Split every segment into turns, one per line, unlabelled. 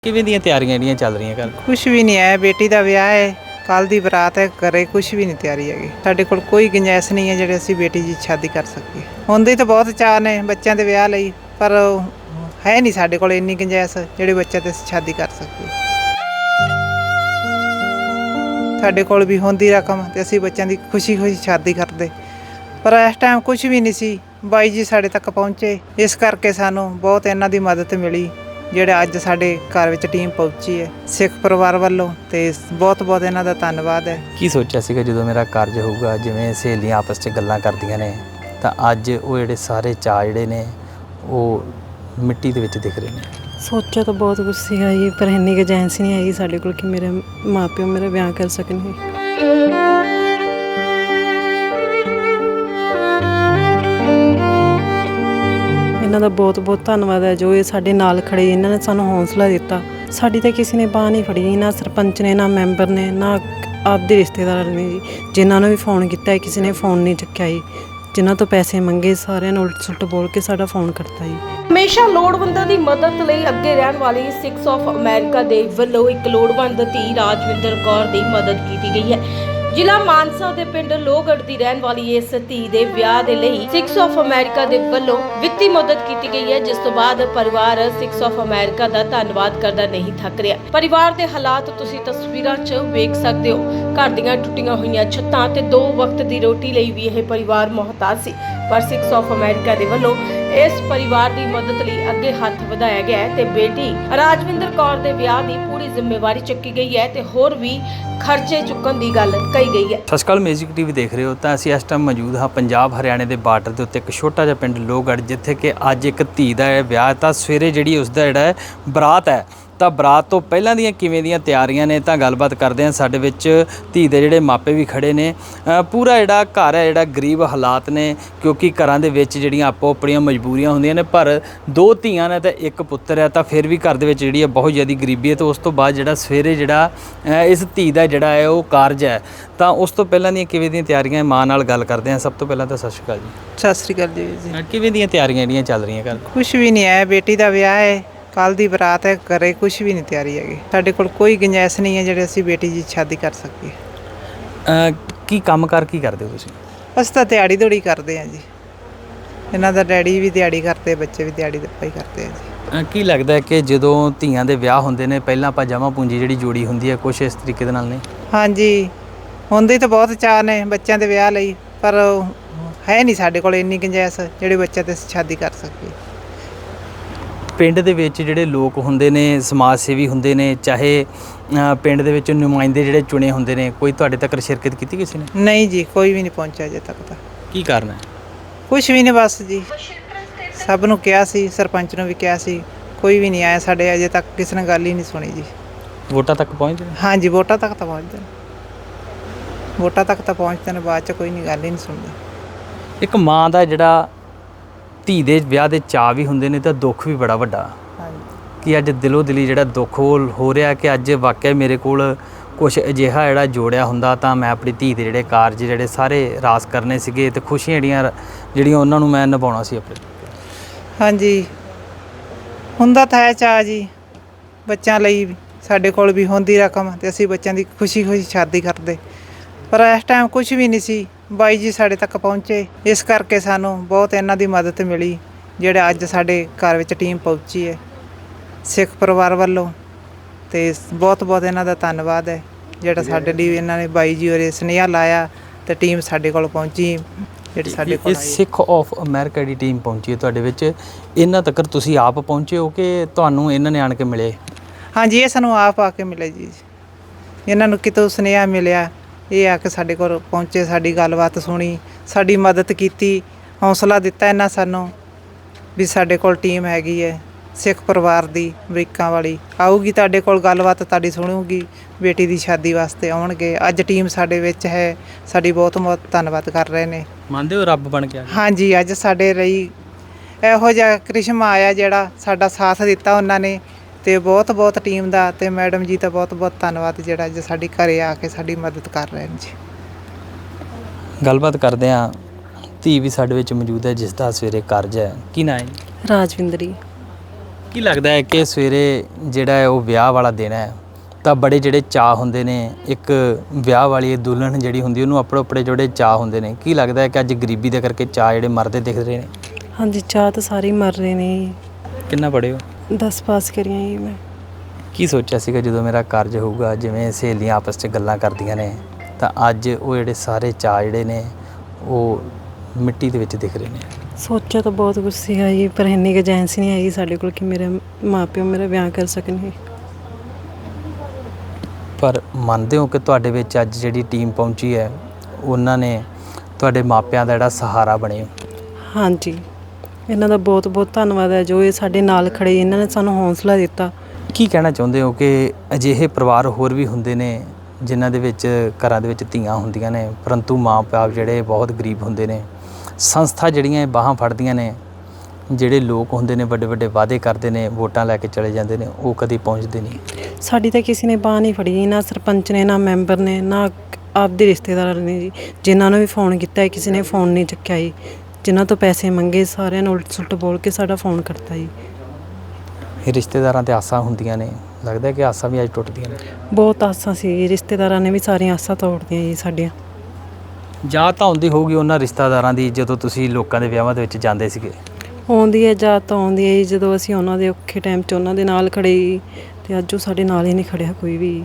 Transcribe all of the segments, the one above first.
ਕਿਵੇਂ ਦੀਆਂ ਤਿਆਰੀਆਂ ਜਿਹੜੀਆਂ ਚੱਲ ਰਹੀਆਂ ਘਰ?
ਕੁਛ ਵੀ ਨਹੀਂ ਹੈ, ਬੇਟੀ ਦਾ ਵਿਆਹ ਹੈ, ਕੱਲ ਦੀ ਬਰਾਤ ਹੈ, ਘਰੇ ਕੁਛ ਵੀ ਨਹੀਂ ਤਿਆਰੀ ਹੈਗੀ। ਸਾਡੇ ਕੋਲ ਕੋਈ ਗੁੰਜਾਇਸ਼ ਨਹੀਂ ਹੈ ਜਿਹੜੇ ਅਸੀਂ ਬੇਟੀ ਦੀ ਸ਼ਾਦੀ ਕਰ ਸਕੀਏ। ਹੁੰਦੇ ਤਾਂ ਬਹੁਤ ਚਾਅ ਨੇ ਬੱਚਿਆਂ ਦੇ ਵਿਆਹ ਲਈ, ਪਰ ਹੈ ਨਹੀਂ ਸਾਡੇ ਕੋਲ ਇੰਨੀ ਗੁੰਜਾਇਸ਼ ਜਿਹੜੇ ਬੱਚਿਆਂ ਤੇ ਅਸੀਂ ਸ਼ਾਦੀ ਕਰ ਸਕੀਏ। ਸਾਡੇ ਕੋਲ ਵੀ ਹੁੰਦੀ ਰਕਮ ਤੇ ਅਸੀਂ ਬੱਚਿਆਂ ਦੀ ਖੁਸ਼ੀ ਸ਼ਾਦੀ ਕਰਦੇ, ਪਰ ਇਸ ਟਾਈਮ ਕੁਛ ਵੀ ਨਹੀਂ ਸੀ। ਬਾਈ ਜੀ ਸਾਡੇ ਤੱਕ ਪਹੁੰਚੇ, ਇਸ ਕਰਕੇ ਸਾਨੂੰ ਬਹੁਤ ਇਹਨਾਂ ਦੀ ਮਦਦ ਮਿਲੀ, ਜਿਹੜਾ ਅੱਜ ਸਾਡੇ ਘਰ ਵਿੱਚ ਟੀਮ ਪਹੁੰਚੀ ਹੈ ਸਿੱਖ ਪਰਿਵਾਰ ਵੱਲੋਂ, ਤੇ ਬਹੁਤ ਬਹੁਤ ਇਹਨਾਂ ਦਾ ਧੰਨਵਾਦ ਹੈ।
ਕੀ ਸੋਚਿਆ ਸੀਗਾ ਜਦੋਂ ਮੇਰਾ ਕਾਰਜ ਹੋਊਗਾ, ਜਿਵੇਂ ਸਹੇਲੀਆਂ ਆਪਸ 'ਚ ਗੱਲਾਂ ਕਰਦੀਆਂ ਨੇ, ਤਾਂ ਅੱਜ ਉਹ ਜਿਹੜੇ ਸਾਰੇ ਚਾਅ ਜਿਹੜੇ ਨੇ ਉਹ ਮਿੱਟੀ ਦੇ ਵਿੱਚ ਦਿਖ ਰਹੇ ਨੇ?
ਸੋਚਿਆ ਤਾਂ ਬਹੁਤ ਕੁਛ ਸੀਗਾ ਜੀ, ਪਰ ਇੰਨੀ ਗੁੰਜਾਇਸ਼ ਨਹੀਂ ਹੈਗੀ ਸਾਡੇ ਕੋਲ ਕਿ ਮੇਰੇ ਮਾਂ ਪਿਓ ਮੇਰਾ ਵਿਆਹ ਕਰ ਸਕਣਗੇ। ਇਹਨਾਂ ਦਾ ਬਹੁਤ ਬਹੁਤ ਧੰਨਵਾਦ ਹੈ, ਜੋ ਇਹ ਸਾਡੇ ਨਾਲ ਖੜੇ, ਇਹਨਾਂ ਨੇ ਸਾਨੂੰ ਹੌਸਲਾ ਦਿੱਤਾ। ਸਾਡੀ ਤਾਂ ਕਿਸੇ ਨੇ ਬਾਂਹ ਨਹੀਂ ਫੜੀ, ਨਾ ਸਰਪੰਚ ਨੇ, ਨਾ ਮੈਂਬਰ ਨੇ, ਨਾ ਆਪਦੇ ਰਿਸ਼ਤੇਦਾਰ ਨੇ ਜੀ। ਜਿਨ੍ਹਾਂ ਨੂੰ ਵੀ ਫੋਨ ਕੀਤਾ ਕਿਸੇ ਨੇ ਫੋਨ ਨਹੀਂ ਚੱਕਿਆ ਜੀ। ਜਿਨ੍ਹਾਂ ਤੋਂ ਪੈਸੇ ਮੰਗੇ ਸਾਰਿਆਂ ਨੂੰ ਉਲਟ ਸੁਲਟ ਬੋਲ ਕੇ ਸਾਡਾ ਫੋਨ ਕੱਟਤਾ ਜੀ।
ਹਮੇਸ਼ਾ ਲੋੜਵੰਦਾਂ ਦੀ ਮਦਦ ਲਈ ਅੱਗੇ ਰਹਿਣ ਵਾਲੀ ਸਿਕਸ ਆਫ ਅਮਰੀਕਾ ਦੇ ਵੱਲੋਂ ਇੱਕ ਲੋੜਵੰਦ ਧੀ ਰਾਜਵਿੰਦਰ ਕੌਰ ਦੀ ਮਦਦ ਕੀਤੀ ਗਈ ਹੈ। ਜ਼ਿਲ੍ਹਾ ਮਾਨਸਾ ਦੇ ਪਿੰਡ ਲੋਹਗੜ੍ਹ ਦੀ ਰਹਿਣ ਵਾਲੀ ਇਸ ਧੀ ਦੇ ਵਿਆਹ ਦੇ ਲਈ ਸਿਕਸ ਆਫ ਅਮਰੀਕਾ ਦੇ ਵੱਲੋਂ ਵਿੱਤੀ ਮਦਦ ਕੀਤੀ ਗਈ ਹੈ, ਜਿਸ ਤੋਂ ਬਾਅਦ ਪਰਿਵਾਰ ਸਿਕਸ ਆਫ ਅਮਰੀਕਾ ਦਾ ਧੰਨਵਾਦ ਕਰਦਾ ਨਹੀਂ ਥੱਕ ਰਿਹਾ। ਪਰਿਵਾਰ ਦੇ ਹਾਲਾਤ ਤੁਸੀਂ ਤਸਵੀਰਾਂ 'ਚ ਵੇਖ ਸਕਦੇ ਹੋ। ਘਰ ਦੀਆਂ ਟੁੱਟੀਆਂ ਹੋਈਆਂ ਛੱਤਾਂ ਤੇ 2 ਵਕਤ ਦੀ ਰੋਟੀ ਲਈ ਵੀ ਇਹ ਪਰਿਵਾਰ ਮੁਹਤਾਜ ਸੀ, ਪਰ ਸਿਕਸ ਆਫ ਅਮਰੀਕਾ ਦੇ ਵੱਲੋਂ ਇਸ ਪਰਿਵਾਰ ਦੀ ਮਦਦ ਲਈ ਅੱਗੇ ਹੱਥ ਵਧਾਇਆ ਗਿਆ ਹੈ ਤੇ ਬੇਟੀ ਰਾਜਵਿੰਦਰ ਕੌਰ ਦੇ ਵਿਆਹ ਦੀ ਪੂਰੀ ਜ਼ਿੰਮੇਵਾਰੀ ਚੱਕੀ ਗਈ ਹੈ ਤੇ ਹੋਰ ਵੀ ਖਰਚੇ ਚੁੱਕਣ ਦੀ ਗੱਲ ਕਹੀ ਗਈ ਹੈ।
ਸਤਿ ਸ਼੍ਰੀ ਅਕਾਲ, ਮੈਜਿਕ ਟੀਵੀ ਦੇਖ ਰਹੇ ਹੋ। ਤਾਂ ਅਸੀਂ ਇਸ ਟਾਈਮ ਮੌਜੂਦ ਹਾਂ ਪੰਜਾਬ ਹਰਿਆਣੇ ਦੇ ਬਾਰਡਰ ਦੇ ਉੱਤੇ ਇੱਕ ਛੋਟਾ ਜਿਹਾ ਪਿੰਡ ਲੋਹਗੜ੍ਹ, ਜਿੱਥੇ ਕਿ ਅੱਜ ਇੱਕ ਧੀ ਦਾ ਵਿਆਹ। ਤਾਂ ਸਵੇਰੇ ਜਿਹੜੀ ਉਸ ਦਾ ਜਿਹੜਾ ਬਰਾਤ ਹੈ, ਤਾਂ ਬਰਾਤ ਤੋਂ ਪਹਿਲਾਂ ਦੀਆਂ ਕਿਵੇਂ ਦੀਆਂ ਤਿਆਰੀਆਂ ਨੇ, ਤਾਂ ਗੱਲਬਾਤ ਕਰਦੇ ਹਾਂ। ਸਾਡੇ ਵਿੱਚ ਧੀ ਦੇ ਜਿਹੜੇ ਮਾਪੇ ਵੀ ਖੜੇ ਨੇ। ਪੂਰਾ ਜਿਹੜਾ ਘਰ ਹੈ, ਜਿਹੜਾ ਗਰੀਬ ਹਾਲਾਤ ਨੇ, ਕਿਉਂਕਿ ਘਰਾਂ ਦੇ ਵਿੱਚ ਜਿਹੜੀਆਂ ਆਪੋ ਆਪਣੀਆਂ ਮਜਬੂਰੀਆਂ ਹੁੰਦੀਆਂ ਨੇ, ਪਰ 2 ਧੀਆਂ ਨੇ ਤੇ 1 ਪੁੱਤਰ ਹੈ, ਤਾਂ ਫਿਰ ਵੀ ਘਰ ਦੇ ਵਿੱਚ ਜਿਹੜੀ ਹੈ ਬਹੁਤ ਜ਼ਿਆਦਾ ਗਰੀਬੀ ਹੈ। ਤੇ ਉਸ ਤੋਂ ਬਾਅਦ ਜਿਹੜਾ ਸਵੇਰੇ ਜਿਹੜਾ ਇਸ ਧੀ ਦਾ ਜਿਹੜਾ ਹੈ ਉਹ ਕਾਰਜ ਹੈ, ਤਾਂ ਉਸ ਤੋਂ ਪਹਿਲਾਂ ਦੀਆਂ ਕਿਵੇਂ ਦੀਆਂ ਤਿਆਰੀਆਂ, ਮਾਂ ਨਾਲ ਗੱਲ ਕਰਦੇ ਹਾਂ। ਸਭ ਤੋਂ ਪਹਿਲਾਂ ਤਾਂ ਸਤਿ ਸ਼੍ਰੀ ਅਕਾਲ ਜੀ।
ਸਤਿ ਸ਼੍ਰੀ ਅਕਾਲ ਜੀ।
ਕਿਵੇਂ ਦੀਆਂ ਤਿਆਰੀਆਂ ਜਿਹੜੀਆਂ ਚੱਲ ਰਹੀਆਂ ਘਰ?
ਕੁਛ ਵੀ ਨਹੀਂ ਹੈ, ਬੇਟੀ ਦਾ ਵਿਆਹ ਹੈ, ਕੱਲ ਦੀ ਬਰਾਤ ਹੈ, ਘਰੇ ਕੁਛ ਵੀ ਨਹੀਂ ਤਿਆਰੀ ਹੈਗੀ। ਸਾਡੇ ਕੋਲ ਕੋਈ ਗੁੰਜਾਇਸ਼ ਨਹੀਂ ਹੈ ਜਿਹੜੇ ਅਸੀਂ ਬੇਟੀ ਦੀ ਸ਼ਾਦੀ ਕਰ ਸਕੀਏ।
ਕੀ ਕੰਮ ਕਰ ਕੀ ਕਰਦੇ ਹੋ ਤੁਸੀਂ?
ਅਸੀਂ ਤਾਂ ਦਿਹਾੜੀ ਦੌੜੀ ਕਰਦੇ ਹਾਂ ਜੀ। ਇਹਨਾਂ ਦਾ ਡੈਡੀ ਵੀ ਦਿਹਾੜੀ ਕਰਦੇ, ਬੱਚੇ ਵੀ ਦਿਹਾੜੀ ਦੱਪਾ ਹੀ ਕਰਦੇ ਆ ਜੀ।
ਕੀ ਲੱਗਦਾ ਹੈ ਕਿ ਜਦੋਂ ਧੀਆਂ ਦੇ ਵਿਆਹ ਹੁੰਦੇ ਨੇ, ਪਹਿਲਾਂ ਆਪਾਂ ਜਮ੍ਹਾਂ ਪੂੰਜੀ ਜਿਹੜੀ ਜੋੜੀ ਹੁੰਦੀ ਹੈ, ਕੁਛ ਇਸ ਤਰੀਕੇ ਦੇ ਨਾਲ ਨਹੀਂ?
ਹਾਂਜੀ, ਹੁੰਦੇ ਤਾਂ ਬਹੁਤ ਚਾਅ ਨੇ ਬੱਚਿਆਂ ਦੇ ਵਿਆਹ ਲਈ, ਪਰ ਹੈ ਨਹੀਂ ਸਾਡੇ ਕੋਲ ਇੰਨੀ ਗੁੰਜਾਇਸ਼ ਜਿਹੜੇ ਬੱਚਿਆਂ ਤੇ ਅਸੀਂ ਸ਼ਾਦੀ ਕਰ ਸਕੀਏ।
ਪਿੰਡ ਦੇ ਵਿੱਚ ਜਿਹੜੇ ਲੋਕ ਹੁੰਦੇ ਨੇ, ਸਮਾਜ ਸੇਵੀ ਹੁੰਦੇ ਨੇ, ਚਾਹੇ ਪਿੰਡ ਦੇ ਵਿੱਚ ਨੁਮਾਇੰਦੇ ਜਿਹੜੇ ਚੁਣੇ ਹੁੰਦੇ ਨੇ, ਕੋਈ ਤੁਹਾਡੇ ਤੱਕ ਸ਼ਿਰਕਤ ਕੀਤੀ ਕਿਸੇ ਨੇ?
ਨਹੀਂ ਜੀ, ਕੋਈ ਵੀ ਨਹੀਂ ਪਹੁੰਚਿਆ ਅਜੇ ਤੱਕ ਤਾਂ।
ਕੀ ਕਾਰਨ ਹੈ?
ਕੁਛ ਵੀ ਨਹੀਂ, ਬਸ ਜੀ ਸਭ ਨੂੰ ਕਿਹਾ ਸੀ, ਸਰਪੰਚ ਨੂੰ ਵੀ ਕਿਹਾ ਸੀ, ਕੋਈ ਵੀ ਨਹੀਂ ਆਇਆ ਸਾਡੇ। ਅਜੇ ਤੱਕ ਕਿਸੇ ਨੇ ਗੱਲ ਹੀ ਨਹੀਂ ਸੁਣੀ ਜੀ।
ਵੋਟਾਂ ਤੱਕ ਪਹੁੰਚਦੇ ਨੇ?
ਹਾਂਜੀ, ਵੋਟਾਂ ਤੱਕ ਤਾਂ ਪਹੁੰਚਦੇ ਨੇ, ਵੋਟਾਂ ਤੱਕ ਤਾਂ ਪਹੁੰਚਦੇ ਨੇ, ਬਾਅਦ 'ਚ ਕੋਈ ਨਹੀਂ, ਗੱਲ ਹੀ ਨਹੀਂ ਸੁਣਦਾ।
ਇੱਕ ਮਾਂ ਦਾ ਜਿਹੜਾ ਧੀ ਦੇ ਵਿਆਹ ਦੇ ਚਾਅ ਵੀ ਹੁੰਦੇ ਨੇ, ਤਾਂ ਦੁੱਖ ਵੀ ਬੜਾ ਵੱਡਾ।
ਹਾਂਜੀ,
ਕਿ ਅੱਜ ਦਿਲੋਂ ਦਿਲੀ ਜਿਹੜਾ ਦੁੱਖ ਹੋ ਰਿਹਾ ਕਿ ਅੱਜ ਵਾਕਿਆ ਮੇਰੇ ਕੋਲ ਕੁਛ ਅਜਿਹਾ ਜਿਹੜਾ ਜੋੜਿਆ ਹੁੰਦਾ, ਤਾਂ ਮੈਂ ਆਪਣੀ ਧੀ ਦੇ ਜਿਹੜੇ ਕਾਰਜ ਜਿਹੜੇ ਸਾਰੇ ਰਾਸ ਕਰਨੇ ਸੀਗੇ, ਤੇ ਖੁਸ਼ੀਆਂ ਜਿਹੜੀਆਂ ਉਹਨਾਂ ਨੂੰ ਮੈਂ ਨਿਭਾਉਣਾ ਸੀ ਆਪਣੇ।
ਹਾਂਜੀ, ਹੁੰਦਾ ਤਾਂ ਹੈ ਚਾਅ ਜੀ ਬੱਚਿਆਂ ਲਈ। ਸਾਡੇ ਕੋਲ ਵੀ ਹੁੰਦੀ ਰਕਮ ਤੇ ਅਸੀਂ ਬੱਚਿਆਂ ਦੀ ਖੁਸ਼ੀ ਸ਼ਾਦੀ ਕਰਦੇ, ਪਰ ਇਸ ਟਾਈਮ ਕੁਛ ਵੀ ਨਹੀਂ ਸੀ। ਬਾਈ ਜੀ ਸਾਡੇ ਤੱਕ ਪਹੁੰਚੇ, ਇਸ ਕਰਕੇ ਸਾਨੂੰ ਬਹੁਤ ਇਹਨਾਂ ਦੀ ਮਦਦ ਮਿਲੀ, ਜਿਹੜਾ ਅੱਜ ਸਾਡੇ ਘਰ ਵਿੱਚ ਟੀਮ ਪਹੁੰਚੀ ਹੈ ਸਿੱਖ ਪਰਿਵਾਰ ਵੱਲੋਂ, ਤੇ ਬਹੁਤ ਬਹੁਤ ਇਹਨਾਂ ਦਾ ਧੰਨਵਾਦ ਹੈ, ਜਿਹੜਾ ਸਾਡੇ ਲਈ ਇਹਨਾਂ ਨੇ ਬਾਈ ਜੀ ਹੋਰੇ ਸੁਨੇਹਾ ਲਾਇਆ ਤੇ ਟੀਮ ਸਾਡੇ ਕੋਲ ਪਹੁੰਚੀ, ਜਿਹੜੀ ਸਾਡੇ ਕੋਲ ਆਈ।
ਸਿੱਖ ਆਫ ਅਮਰੀਕਾ ਦੀ ਟੀਮ ਪਹੁੰਚੀ ਹੈ ਤੁਹਾਡੇ ਵਿੱਚ, ਇਹਨਾਂ ਤੱਕ ਤੁਸੀਂ ਆਪ ਪਹੁੰਚੇ ਹੋ ਕਿ ਤੁਹਾਨੂੰ ਇਹਨਾਂ ਨੇ ਆਣ ਕੇ ਮਿਲੇ?
ਹਾਂਜੀ, ਇਹ ਸਾਨੂੰ ਆਪ ਆ ਕੇ ਮਿਲੇ ਜੀ। ਇਹਨਾਂ ਨੂੰ ਕਿਤੋਂ ਸੁਨੇਹਾ ਮਿਲਿਆ, ਇਹ ਆ ਕੇ ਸਾਡੇ ਕੋਲ ਪਹੁੰਚੇ, ਸਾਡੀ ਗੱਲਬਾਤ ਸੁਣੀ, ਸਾਡੀ ਮਦਦ ਕੀਤੀ, ਹੌਸਲਾ ਦਿੱਤਾ ਇਹਨਾਂ ਸਾਨੂੰ ਵੀ ਸਾਡੇ ਕੋਲ ਟੀਮ ਹੈਗੀ ਹੈ ਸਿੱਖ ਪਰਿਵਾਰ ਦੀ, ਅਮਰੀਕਾ ਵਾਲੀ ਆਊਗੀ ਤੁਹਾਡੇ ਕੋਲ, ਗੱਲਬਾਤ ਤੁਹਾਡੀ ਸੁਣੂਗੀ, ਬੇਟੀ ਦੀ ਸ਼ਾਦੀ ਵਾਸਤੇ ਆਉਣਗੇ। ਅੱਜ ਟੀਮ ਸਾਡੇ ਵਿੱਚ ਹੈ, ਸਾਡੀ ਬਹੁਤ ਬਹੁਤ ਧੰਨਵਾਦ ਕਰ ਰਹੇ ਨੇ।
ਮੰਨਦੇ ਹੋ ਰੱਬ ਬਣ ਕੇ ਆ ਗਏ?
ਹਾਂਜੀ, ਅੱਜ ਸਾਡੇ ਲਈ ਇਹੋ ਜਿਹਾ ਕ੍ਰਿਸ਼ਮਾ ਆਇਆ ਜਿਹੜਾ ਸਾਡਾ ਸਾਥ ਦਿੱਤਾ ਉਹਨਾਂ ਨੇ, ਤੇ ਬਹੁਤ ਬਹੁਤ ਟੀਮ ਦਾ ਤੇ ਮੈਡਮ ਜੀ ਦਾ ਬਹੁਤ ਬਹੁਤ ਧੰਨਵਾਦ, ਜਿਹੜਾ ਅੱਜ ਸਾਡੇ ਘਰੇ ਆ ਕੇ ਸਾਡੀ ਮਦਦ ਕਰ ਰਹੇ ਨੇ ਜੀ।
ਗੱਲਬਾਤ ਕਰਦੇ ਹਾਂ। ਧੀ ਵੀ ਸਾਡੇ ਵਿੱਚ ਮੌਜੂਦ ਹੈ, ਜਿਸ ਦਾ ਸਵੇਰੇ ਕਾਰਜ ਹੈ। ਕੀ ਨਾਂ ਹੈ?
ਰਾਜਵਿੰਦਰੀ।
ਕੀ ਲੱਗਦਾ ਹੈ ਕਿ ਸਵੇਰੇ ਜਿਹੜਾ ਹੈ ਉਹ ਵਿਆਹ ਵਾਲਾ ਦਿਨ ਹੈ ਤਾਂ ਬੜੇ ਜਿਹੜੇ ਚਾਅ ਹੁੰਦੇ ਨੇ, ਇੱਕ ਵਿਆਹ ਵਾਲੀ ਦੁਲਹਨ ਜਿਹੜੀ ਹੁੰਦੀ ਉਹਨੂੰ ਆਪਣੇ ਜਿਹੜੇ ਚਾਅ ਹੁੰਦੇ ਨੇ, ਕੀ ਲੱਗਦਾ ਹੈ ਕਿ ਅੱਜ ਗਰੀਬੀ ਦੇ ਕਰਕੇ ਚਾਅ ਜਿਹੜੇ ਮਰਦੇ ਦਿਖ ਰਹੇ ਨੇ?
ਹਾਂਜੀ, ਚਾਹ ਤਾਂ ਸਾਰੇ ਹੀ ਮਰ ਰਹੇ ਨੇ ਜੀ।
ਕਿੰਨਾ ਪੜ੍ਹੇ ਹੋ?
10 ਪਾਸ ਕਰੀਆਂ ਜੀ ਮੈਂ।
ਕੀ ਸੋਚਿਆ ਸੀਗਾ ਜਦੋਂ ਮੇਰਾ ਕਾਰਜ ਹੋਊਗਾ, ਜਿਵੇਂ ਸਹੇਲੀਆਂ ਆਪਸ 'ਚ ਗੱਲਾਂ ਕਰਦੀਆਂ ਨੇ, ਤਾਂ ਅੱਜ ਉਹ ਜਿਹੜੇ ਸਾਰੇ ਚਾਅ ਜਿਹੜੇ ਨੇ ਉਹ ਮਿੱਟੀ ਦੇ ਵਿੱਚ ਦਿਖ ਰਹੇ ਨੇ?
ਸੋਚਿਆ ਤਾਂ ਬਹੁਤ ਕੁਝ ਸੀਗਾ ਜੀ, ਪਰ ਇੰਨੀ ਕੁ ਏਜੰਸ ਨਹੀਂ ਹੈਗੀ ਸਾਡੇ ਕੋਲ ਕਿ ਮੇਰੇ ਮਾਪਿਓ ਮੇਰਾ ਵਿਆਹ ਕਰ ਸਕਣਗੇ।
ਪਰ ਮੰਨਦੇ ਹੋ ਕਿ ਤੁਹਾਡੇ ਵਿੱਚ ਅੱਜ ਜਿਹੜੀ ਟੀਮ ਪਹੁੰਚੀ ਹੈ ਉਹਨਾਂ ਨੇ ਤੁਹਾਡੇ ਮਾਪਿਆਂ ਦਾ ਜਿਹੜਾ ਸਹਾਰਾ ਬਣੇ ਹੋ?
ਹਾਂਜੀ, ਇਹਨਾਂ ਦਾ ਬਹੁਤ ਬਹੁਤ ਧੰਨਵਾਦ ਹੈ ਜੋ ਇਹ ਸਾਡੇ ਨਾਲ ਖੜੇ, ਇਹਨਾਂ ਨੇ ਸਾਨੂੰ ਹੌਸਲਾ ਦਿੱਤਾ।
ਕੀ ਕਹਿਣਾ ਚਾਹੁੰਦੇ ਹੋ ਕਿ ਅਜਿਹੇ ਪਰਿਵਾਰ ਹੋਰ ਵੀ ਹੁੰਦੇ ਨੇ ਜਿਨ੍ਹਾਂ ਦੇ ਵਿੱਚ ਘਰਾਂ ਦੇ ਵਿੱਚ ਧੀਆਂ ਹੁੰਦੀਆਂ ਨੇ ਪਰੰਤੂ ਮਾਂ-ਪਿਓ ਜਿਹੜੇ ਬਹੁਤ ਗਰੀਬ ਹੁੰਦੇ ਨੇ, ਸੰਸਥਾ ਜਿਹੜੀਆਂ ਇਹ ਬਾਹਾਂ ਫੜਦੀਆਂ ਨੇ, ਜਿਹੜੇ ਲੋਕ ਹੁੰਦੇ ਨੇ ਵੱਡੇ ਵੱਡੇ ਵਾਅਦੇ ਕਰਦੇ ਨੇ, ਵੋਟਾਂ ਲੈ ਕੇ ਚਲੇ ਜਾਂਦੇ ਨੇ, ਉਹ ਕਦੀ ਪਹੁੰਚਦੇ ਨਹੀਂ?
ਸਾਡੀ ਤਾਂ ਕਿਸੇ ਨੇ ਬਾਂਹ ਨਹੀਂ ਫੜੀ, ਨਾ ਸਰਪੰਚ ਨੇ, ਨਾ ਮੈਂਬਰ ਨੇ, ਨਾ ਆਪਦੇ ਰਿਸ਼ਤੇਦਾਰ ਨੇ ਜੀ। ਜਿਨ੍ਹਾਂ ਨੂੰ ਵੀ ਫੋਨ ਕੀਤਾ ਕਿਸੇ ਨੇ ਫੋਨ ਨਹੀਂ ਚੱਕਿਆ ਜੀ। ਜਿਨ੍ਹਾਂ ਤੋਂ ਪੈਸੇ ਮੰਗੇ ਸਾਰਿਆਂ ਨੂੰ ਉਲਟ ਸੁਲਟ ਬੋਲ ਕੇ ਸਾਡਾ ਫੋਨ ਕਰਤਾ ਜੀ।
ਇਹ ਰਿਸ਼ਤੇਦਾਰਾਂ ਤੇ ਆਸਾਂ ਹੁੰਦੀਆਂ ਨੇ, ਲੱਗਦਾ ਕਿ ਆਸਾਂ ਵੀ ਅੱਜ ਟੁੱਟਦੀਆਂ ਨੇ?
ਬਹੁਤ ਆਸਾਂ ਸੀ ਜੀ, ਰਿਸ਼ਤੇਦਾਰਾਂ ਨੇ ਵੀ ਸਾਰੀਆਂ ਆਸਾਂ ਤੋੜਦੀਆਂ ਜੀ ਸਾਡੀਆਂ।
ਯਾਦ ਤਾਂ ਆਉਂਦੀ ਹੋਊਗੀ ਉਹਨਾਂ ਰਿਸ਼ਤੇਦਾਰਾਂ ਦੀ ਜਦੋਂ ਤੁਸੀਂ ਲੋਕਾਂ ਦੇ ਵਿਆਹਾਂ ਦੇ ਵਿੱਚ ਜਾਂਦੇ ਸੀਗੇ?
ਆਉਂਦੀ ਹੈ ਯਾਦ ਤਾਂ ਆਉਂਦੀ ਹੈ ਜੀ, ਜਦੋਂ ਅਸੀਂ ਉਹਨਾਂ ਦੇ ਔਖੇ ਟਾਈਮ 'ਚ ਉਹਨਾਂ ਦੇ ਨਾਲ ਖੜੇ ਜੀ, ਤੇ ਅੱਜ ਉਹ ਸਾਡੇ ਨਾਲ ਹੀ ਨਹੀਂ ਖੜਿਆ ਕੋਈ ਵੀ।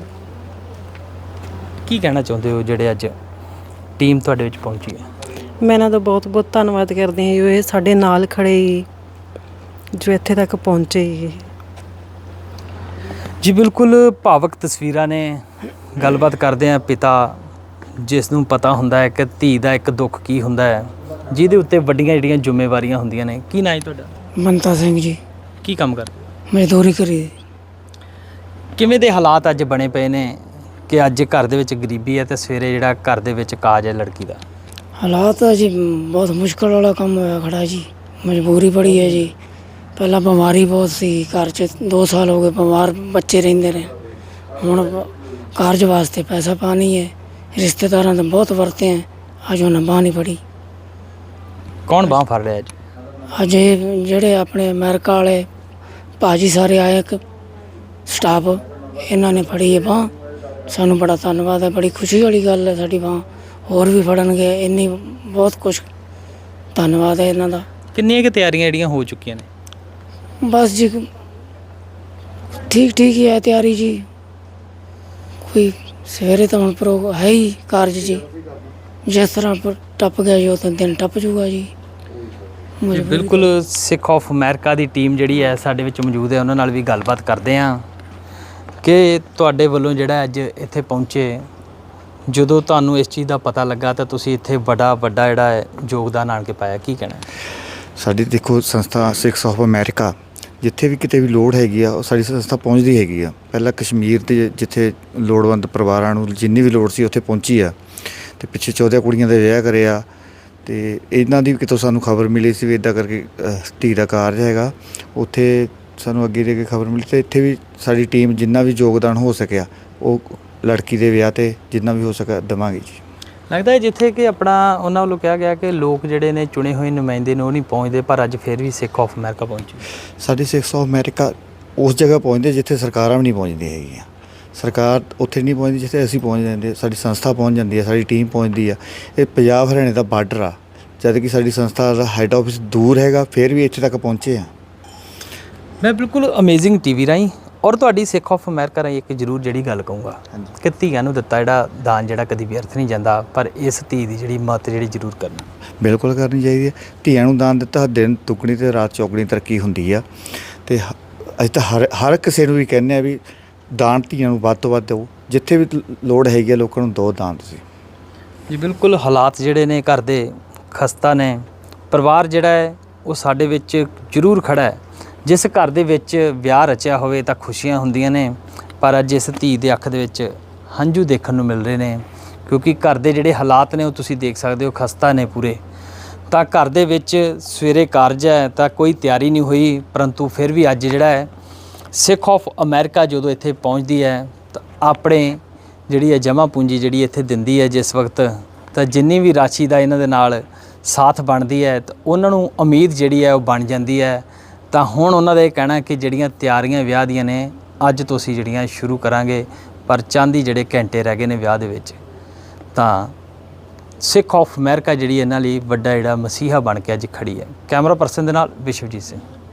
ਕੀ ਕਹਿਣਾ ਚਾਹੁੰਦੇ ਹੋ ਜਿਹੜੇ ਅੱਜ ਟੀਮ ਤੁਹਾਡੇ ਵਿੱਚ ਪਹੁੰਚੀ ਹੈ?
ਮੈਂ ਇਹਨਾਂ ਦਾ ਬਹੁਤ ਬਹੁਤ ਧੰਨਵਾਦ ਕਰਦੀ ਹਾਂ ਜੋ ਇਹ ਸਾਡੇ ਨਾਲ ਖੜੇ ਜੀ, ਜੋ ਇੱਥੇ ਤੱਕ ਪਹੁੰਚੇ ਜੀ।
ਜੀ ਬਿਲਕੁਲ ਭਾਵਕ ਤਸਵੀਰਾਂ ਨੇ। ਗੱਲਬਾਤ ਕਰਦੇ ਹਾਂ ਪਿਤਾ ਜਿਸ ਨੂੰ ਪਤਾ ਹੁੰਦਾ ਹੈ ਕਿ ਧੀ ਦਾ ਇੱਕ ਦੁੱਖ ਕੀ ਹੁੰਦਾ ਹੈ, ਜਿਹਦੇ ਉੱਤੇ ਵੱਡੀਆਂ ਜਿਹੜੀਆਂ ਜ਼ਿੰਮੇਵਾਰੀਆਂ ਹੁੰਦੀਆਂ ਨੇ। ਕੀ ਨਾਂ ਹੈ ਤੁਹਾਡਾ?
ਮਨਤਾ ਸਿੰਘ ਜੀ।
ਕੀ ਕੰਮ ਕਰਦੇ?
ਮਜ਼ਦੂਰੀ ਕਰੀ।
ਕਿਵੇਂ ਦੇ ਹਾਲਾਤ ਅੱਜ ਬਣੇ ਪਏ ਨੇ ਕਿ ਅੱਜ ਘਰ ਦੇ ਵਿੱਚ ਗਰੀਬੀ ਹੈ ਤੇ ਸਵੇਰੇ ਜਿਹੜਾ ਘਰ ਦੇ ਵਿੱਚ ਕਾਜ ਹੈ ਲੜਕੀ ਦਾ?
ਹਾਲਾਤ ਜੀ ਬਹੁਤ ਮੁਸ਼ਕਲ ਵਾਲਾ ਕੰਮ ਹੋਇਆ ਖੜਾ ਜੀ, ਮਜਬੂਰੀ ਬੜੀ ਹੈ ਜੀ। ਪਹਿਲਾਂ ਬਿਮਾਰੀ ਬਹੁਤ ਸੀ ਘਰ 'ਚ, 2 ਸਾਲ ਹੋ ਗਏ ਬਿਮਾਰ ਬੱਚੇ ਰਹਿੰਦੇ ਨੇ। ਹੁਣ ਕਾਰਜ ਵਾਸਤੇ ਪੈਸਾ ਪਾਣੀ ਹੈ, ਰਿਸ਼ਤੇਦਾਰਾਂ ਤੋਂ ਬਹੁਤ ਵਰਤੇ ਹੈ, ਅੱਜ ਉਹਨਾਂ ਬਾਂਹ ਨਹੀਂ ਫੜੀ।
ਕੌਣ ਬਾਂਹ ਫੜ ਰਿਹਾ ਅੱਜ?
ਅੱਜ ਇਹ ਜਿਹੜੇ ਆਪਣੇ ਅਮਰੀਕਾ ਵਾਲੇ ਭਾਜੀ ਸਾਰੇ ਆਏ, ਇੱਕ ਸਟਾਫ, ਇਹਨਾਂ ਨੇ ਫੜੀ ਹੈ ਬਾਂਹ। ਸਾਨੂੰ ਬੜਾ ਧੰਨਵਾਦ ਹੈ, ਬੜੀ ਖੁਸ਼ੀ ਵਾਲੀ ਗੱਲ ਹੈ। ਸਾਡੀ ਬਾਂਹ ਹੋਰ ਵੀ ਫੜਨਗੇ, ਇੰਨੀ ਬਹੁਤ ਕੁਛ ਧੰਨਵਾਦ ਹੈ ਇਹਨਾਂ ਦਾ।
ਕਿੰਨੀਆਂ ਕੁ ਤਿਆਰੀਆਂ ਜਿਹੜੀਆਂ ਹੋ ਚੁੱਕੀਆਂ ਨੇ?
ਬਸ ਜੀ ਠੀਕ ਹੀ ਹੈ ਤਿਆਰੀ ਜੀ। ਕੋਈ ਸਵੇਰੇ ਤਾਂ ਹੁਣ ਪ੍ਰੋ ਹੈ ਹੀ ਕਾਰਜ ਜੀ, ਜਿਸ ਤਰ੍ਹਾਂ ਟੱਪ ਗਿਆ ਜੀ ਉਹ ਤਾਂ ਦਿਨ ਟੱਪ ਜੂਗਾ ਜੀ।
ਬਿਲਕੁਲ ਸਿੱਖ ਆਫ ਅਮਰੀਕਾ ਦੀ ਟੀਮ ਜਿਹੜੀ ਹੈ ਸਾਡੇ ਵਿੱਚ ਮੌਜੂਦ ਹੈ, ਉਹਨਾਂ ਨਾਲ ਵੀ ਗੱਲਬਾਤ ਕਰਦੇ ਹਾਂ ਕਿ ਤੁਹਾਡੇ ਵੱਲੋਂ ਜਿਹੜਾ ਅੱਜ ਇੱਥੇ ਪਹੁੰਚੇ, ਜਦੋਂ ਤੁਹਾਨੂੰ ਇਸ ਚੀਜ਼ ਦਾ ਪਤਾ ਲੱਗਾ ਤਾਂ ਤੁਸੀਂ ਇੱਥੇ ਵੱਡਾ ਜਿਹੜਾ ਹੈ ਯੋਗਦਾਨ ਆਣ ਕੇ ਪਾਇਆ, ਕੀ ਕਹਿਣਾ?
ਸਾਡੀ ਦੇਖੋ ਸੰਸਥਾ ਸਿੱਖਸ ਆਫ ਅਮਰੀਕਾ ਜਿੱਥੇ ਵੀ ਕਿਤੇ ਵੀ ਲੋੜ ਹੈਗੀ ਆ ਉਹ ਸਾਡੀ ਸੰਸਥਾ ਪਹੁੰਚਦੀ ਹੈਗੀ ਆ। ਪਹਿਲਾਂ ਕਸ਼ਮੀਰ ਦੇ ਜਿੱਥੇ ਲੋੜਵੰਦ ਪਰਿਵਾਰਾਂ ਨੂੰ ਜਿੰਨੀ ਵੀ ਲੋੜ ਸੀ ਉੱਥੇ ਪਹੁੰਚੀ ਆ, ਅਤੇ ਪਿੱਛੇ 14 ਕੁੜੀਆਂ ਦੇ ਵਿਆਹ ਕਰੇ ਆ। ਅਤੇ ਇਹਨਾਂ ਦੀ ਕਿਤੋਂ ਸਾਨੂੰ ਖਬਰ ਮਿਲੀ ਸੀ ਵੀ ਇੱਦਾਂ ਕਰਕੇ ਧੀ ਦਾ ਕਾਰਜ ਹੈਗਾ, ਉੱਥੇ ਸਾਨੂੰ ਅੱਗੇ ਦੇ ਕੇ ਖਬਰ ਮਿਲੀ, ਅਤੇ ਇੱਥੇ ਵੀ ਸਾਡੀ ਟੀਮ ਜਿੰਨਾ ਵੀ ਯੋਗਦਾਨ ਹੋ ਸਕਿਆ ਉਹ ਲੜਕੀ ਦੇ ਵਿਆਹ 'ਤੇ ਜਿੰਨਾ ਵੀ ਹੋ ਸਕਿਆ ਦੇਵਾਂਗੇ ਜੀ।
ਲੱਗਦਾ ਹੈ ਜਿੱਥੇ ਕਿ ਆਪਣਾ ਉਹਨਾਂ ਵੱਲੋਂ ਕਿਹਾ ਗਿਆ ਕਿ ਲੋਕ ਜਿਹੜੇ ਨੇ ਚੁਣੇ ਹੋਏ ਨੁਮਾਇੰਦੇ ਨੇ ਉਹ ਨਹੀਂ ਪਹੁੰਚਦੇ, ਪਰ ਅੱਜ ਫਿਰ ਵੀ ਸਿੱਖ ਆਫ ਅਮਰੀਕਾ ਪਹੁੰਚੀ।
ਸਾਡੀ ਸਿੱਖਸ ਆਫ ਅਮਰੀਕਾ ਉਸ ਜਗ੍ਹਾ ਪਹੁੰਚਦੇ ਜਿੱਥੇ ਸਰਕਾਰਾਂ ਵੀ ਨਹੀਂ ਪਹੁੰਚਦੀਆਂ ਹੈਗੀਆਂ। ਸਰਕਾਰ ਉੱਥੇ ਨਹੀਂ ਪਹੁੰਚਦੀ ਜਿੱਥੇ ਅਸੀਂ ਪਹੁੰਚ ਜਾਂਦੇ, ਸਾਡੀ ਸੰਸਥਾ ਪਹੁੰਚ ਜਾਂਦੀ ਹੈ, ਸਾਡੀ ਟੀਮ ਪਹੁੰਚਦੀ ਆ। ਇਹ ਪੰਜਾਬ ਹਰਿਆਣੇ ਦਾ ਬਾਰਡਰ ਆ, ਜਦ ਕਿ ਸਾਡੀ ਸੰਸਥਾ ਦਾ ਹੈੱਡ ਆਫਿਸ ਦੂਰ ਹੈਗਾ, ਫਿਰ ਵੀ ਇੱਥੇ ਤੱਕ ਪਹੁੰਚੇ ਆ।
ਮੈਂ ਬਿਲਕੁਲ ਅਮੇਜ਼ਿੰਗ ਟੀਵੀ ਰਾਹੀਂ ਔਰ ਤੁਹਾਡੀ ਸਿੱਖ ਆਫ ਅਮਰੀਕਾ ਰਾਹੀਂ ਇੱਕ ਜ਼ਰੂਰ ਜਿਹੜੀ ਗੱਲ ਕਹੂੰਗਾ ਕਿ ਧੀਆਂ ਨੂੰ ਦਿੱਤਾ ਜਿਹੜਾ ਦਾਨ ਜਿਹੜਾ ਕਦੀ ਵਿਅਰਥ ਨਹੀਂ ਜਾਂਦਾ, ਪਰ ਇਸ ਧੀ ਦੀ ਜਿਹੜੀ ਮੱਤ ਜਿਹੜੀ ਜ਼ਰੂਰ ਕਰਨਾ
ਬਿਲਕੁਲ ਕਰਨੀ ਚਾਹੀਦੀ ਹੈ। ਧੀਆਂ ਨੂੰ ਦਾਨ ਦਿੱਤਾ ਦਿਨ ਦੁੱਗਣੀ ਅਤੇ ਰਾਤ ਚੌਗਣੀ ਤਰੱਕੀ ਹੁੰਦੀ ਆ। ਅਤੇ ਅਸੀਂ ਤਾਂ ਹਰ ਕਿਸੇ ਨੂੰ ਵੀ ਕਹਿੰਦੇ ਹਾਂ ਵੀ ਦਾਨ ਧੀਆਂ ਨੂੰ ਵੱਧ ਤੋਂ ਵੱਧ ਦਿਓ, ਜਿੱਥੇ ਵੀ ਲੋੜ ਹੈਗੀ ਆ ਲੋਕਾਂ ਨੂੰ ਦਿਓ ਦਾਨ ਤੁਸੀਂ।
ਜੀ ਬਿਲਕੁਲ ਹਾਲਾਤ ਜਿਹੜੇ ਨੇ ਘਰ ਦੇ ਖਸਤਾ ਨੇ, ਪਰਿਵਾਰ ਜਿਹੜਾ ਹੈ ਉਹ ਸਾਡੇ ਵਿੱਚ ਜ਼ਰੂਰ ਖੜ੍ਹਾ ਹੈ। ਜਿਸ ਘਰ ਦੇ ਵਿੱਚ ਵਿਆਹ ਰਚਿਆ ਹੋਵੇ ਤਾਂ ਖੁਸ਼ੀਆਂ ਹੁੰਦੀਆਂ ਨੇ, ਪਰ ਅੱਜ ਇਸ ਧੀ ਦੇ ਅੱਖ ਦੇ ਵਿੱਚ ਹੰਝੂ ਦੇਖਣ ਨੂੰ ਮਿਲ ਰਹੇ ਨੇ, ਕਿਉਂਕਿ ਘਰ ਦੇ ਜਿਹੜੇ ਹਾਲਾਤ ਨੇ ਉਹ ਤੁਸੀਂ ਦੇਖ ਸਕਦੇ ਹੋ, ਖਸਤਾ ਨੇ ਪੂਰੇ। ਤਾਂ ਘਰ ਦੇ ਵਿੱਚ ਸਵੇਰੇ ਕਾਰਜ ਹੈ ਤਾਂ ਕੋਈ ਤਿਆਰੀ ਨਹੀਂ ਹੋਈ, ਪਰੰਤੂ ਫਿਰ ਵੀ ਅੱਜ ਜਿਹੜਾ ਹੈ ਸਿੱਖ ਆਫ ਅਮਰੀਕਾ ਜਦੋਂ ਇੱਥੇ ਪਹੁੰਚਦੀ ਹੈ ਤਾਂ ਆਪਣੇ ਜਿਹੜੀ ਹੈ ਜਮ੍ਹਾਂ ਪੂੰਜੀ ਜਿਹੜੀ ਇੱਥੇ ਦਿੰਦੀ ਹੈ ਜਿਸ ਵਕਤ, ਤਾਂ ਜਿੰਨੀ ਵੀ ਰਾਸ਼ੀ ਦਾ ਇਹਨਾਂ ਦੇ ਨਾਲ ਸਾਥ ਬਣਦੀ ਹੈ ਤਾਂ ਉਹਨਾਂ ਨੂੰ ਉਮੀਦ ਜਿਹੜੀ ਹੈ ਉਹ ਬਣ ਜਾਂਦੀ ਹੈ ਤਾਂ ਹੁਣ ਉਹਨਾਂ ਦਾ ਇਹ ਕਹਿਣਾ ਕਿ ਜਿਹੜੀਆਂ ਤਿਆਰੀਆਂ ਵਿਆਹ ਦੀਆਂ ਨੇ ਅੱਜ ਤੋਂ ਅਸੀਂ ਜਿਹੜੀਆਂ ਸ਼ੁਰੂ ਕਰਾਂਗੇ, ਪਰ ਚਾਂਦੀ ਜਿਹੜੇ ਘੰਟੇ ਰਹਿ ਗਏ ਨੇ ਵਿਆਹ ਦੇ ਵਿੱਚ। ਤਾਂ ਸਿੱਖ ਆਫ ਅਮਰੀਕਾ ਜਿਹੜੀ ਇਹਨਾਂ ਲਈ ਵੱਡਾ ਜਿਹੜਾ ਮਸੀਹਾ ਬਣ ਕੇ ਅੱਜ ਖੜੀ ਹੈ। ਕੈਮਰਾ ਪਰਸਨ ਦੇ ਨਾਲ ਵਿਸ਼ਵਜੀਤ ਸਿੰਘ।